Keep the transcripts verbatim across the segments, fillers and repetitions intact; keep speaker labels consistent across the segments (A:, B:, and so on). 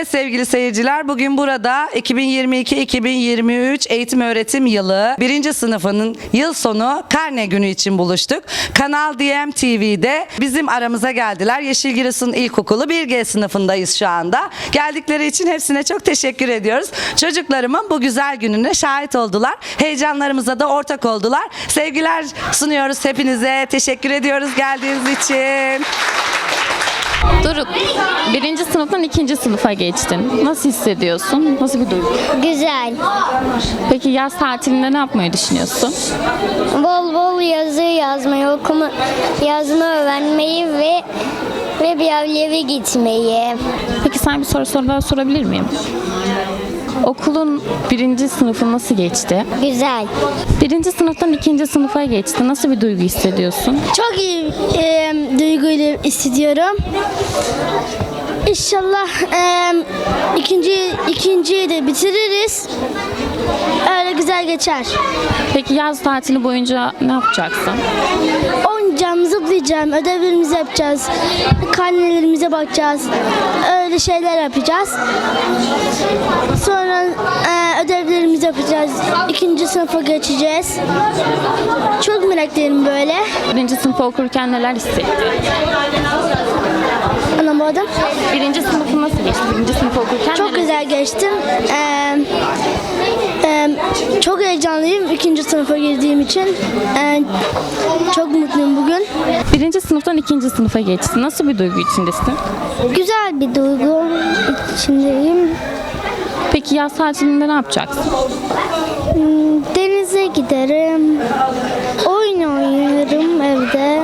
A: Evet sevgili seyirciler, bugün burada iki bin yirmi iki iki bin yirmi üç eğitim öğretim yılı birinci sınıfının yıl sonu karne günü için buluştuk. Kanal D M T V'de bizim aramıza geldiler. Yeşilgiresun İlkokulu bir G sınıfındayız şu anda. Geldikleri için hepsine çok teşekkür ediyoruz. Çocuklarımın bu güzel gününe şahit oldular. Heyecanlarımıza da ortak oldular. Sevgiler sunuyoruz hepinize. Teşekkür ediyoruz geldiğiniz için.
B: Doruk, birinci sınıftan ikinci sınıfa geçtin. Nasıl hissediyorsun? Nasıl bir duygu?
C: Güzel.
B: Peki yaz tatilinde ne yapmayı düşünüyorsun?
C: Bol bol yazı yazmayı, okuma, yazma öğrenmeyi ve ve bir yerlere gitmeyi.
B: Peki sana bir soru sorular sorabilir miyim? Okulun birinci sınıfı nasıl geçti?
C: Güzel.
B: Birinci sınıftan ikinci sınıfa geçti. Nasıl bir duygu hissediyorsun?
C: Çok iyi e, duyguyla hissediyorum. İnşallah e, ikinci ikinciyi de bitiririz. Öyle güzel geçer.
B: Peki yaz tatili boyunca ne yapacaksın?
C: Oynayacağım, zıplayacağım, ödevlerimizi yapacağız, karnelerimize bakacağız, öyle şeyler yapacağız. Sonra e, ödevlerimizi yapacağız, ikinci sınıfa geçeceğiz. Çok meraklıyım böyle.
B: Birinci sınıfa okurken neler hissettin?
C: Anlamadım.
B: Birinci sınıfı nasıl geçti? Birinci sınıfa okurken
C: Çok
B: neler-
C: güzel geçtim. Ee, e, çok heyecanlıyım ikinci sınıfa girdiğim için. Ee, çok mutluyum bugün.
B: Birinci sınıftan ikinci sınıfa geçti. Nasıl bir duygu içindesin?
C: Güzel bir duygu içindeyim.
B: Peki yaz tatilinde ne yapacaksın?
C: Hmm, Denize giderim. Oyun oynarım evde.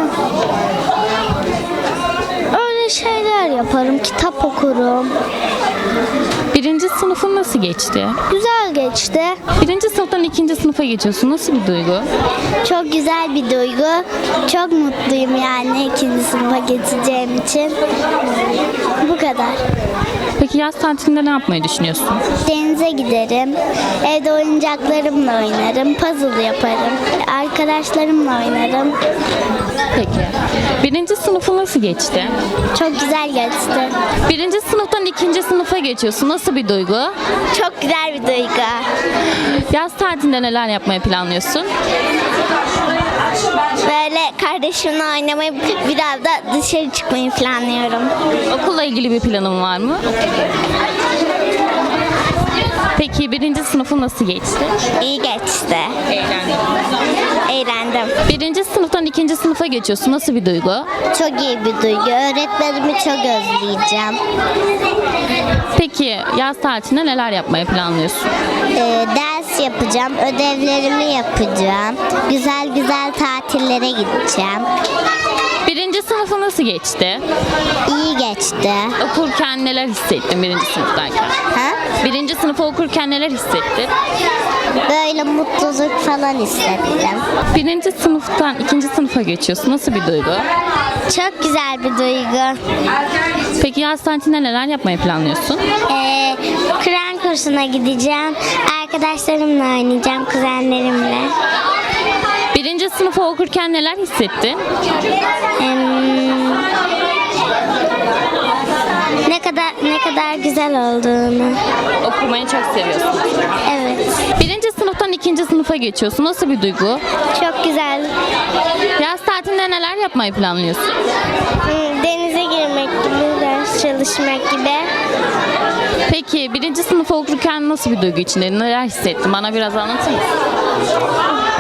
C: Öyle şeyler yaparım. Kitap okurum.
B: Birinci sınıfın nasıl geçti?
C: Güzel geçti.
B: Birinci sınıftan ikinci sınıfa geçiyorsun. Nasıl bir duygu?
C: Çok güzel bir duygu. Çok mutluyum yani ikinci sınıfa geçeceğim için. Bu kadar.
B: Peki yaz tatilinde ne yapmayı düşünüyorsun?
C: Denize giderim. Evde oyuncaklarımla oynarım. Puzzle yaparım. Arkadaşlarımla oynarım.
B: Peki. Birinci sınıfı nasıl geçti?
C: Çok güzel geçti.
B: Birinci sınıftan ikinci sınıfa geçiyorsun. Nasıl bir duygu?
C: Çok güzel bir duygu.
B: Yaz tatilinde neler yapmayı planlıyorsun?
C: Böyle kardeşimle oynamayı, biraz da dışarı çıkmayı planlıyorum.
B: Okulla ilgili bir planın var mı? Peki birinci sınıfı nasıl geçti?
C: İyi geçti.
B: Eğlendim.
C: Eğlendim.
B: Birinci sınıftan ikinci sınıfa geçiyorsun. Nasıl bir duygu?
C: Çok iyi bir duygu. Öğretmenimi çok özleyeceğim.
B: Peki yaz tatilinde neler yapmayı planlıyorsun?
C: Ee, ders yapacağım, ödevlerimi yapacağım. Güzel güzel tatillere gideceğim.
B: Birinci sınıfı nasıl geçti?
C: İyi geçti.
B: Okurken neler hissettin birinci sınıftayken?
C: Ha?
B: Birinci sınıfı okurken neler hissettin?
C: Böyle mutluluk falan hissettim.
B: Birinci sınıftan ikinci sınıfa geçiyorsun. Nasıl bir duygu?
C: Çok güzel bir duygu.
B: Peki yaz tatilinde neler yapmayı planlıyorsun?
C: Ee, Kur'an kursuna gideceğim. Arkadaşlarımla oynayacağım, kuzenlerimle.
B: Birinci sınıfı okurken neler hissettin?
C: Em, ne kadar ne kadar güzel olduğunu.
B: Okumayı çok seviyorsun.
C: Evet.
B: Birinci sınıftan ikinci sınıfa geçiyorsun. Nasıl bir duygu?
C: Çok güzel.
B: Yaz tatilinde neler yapmayı planlıyorsun?
C: Hmm, Denize girmek gibi, ders çalışmak gibi.
B: Peki birinci sınıfı okurken nasıl bir duygu içindeydin? Neler hissettin? Bana biraz anlatır mısın?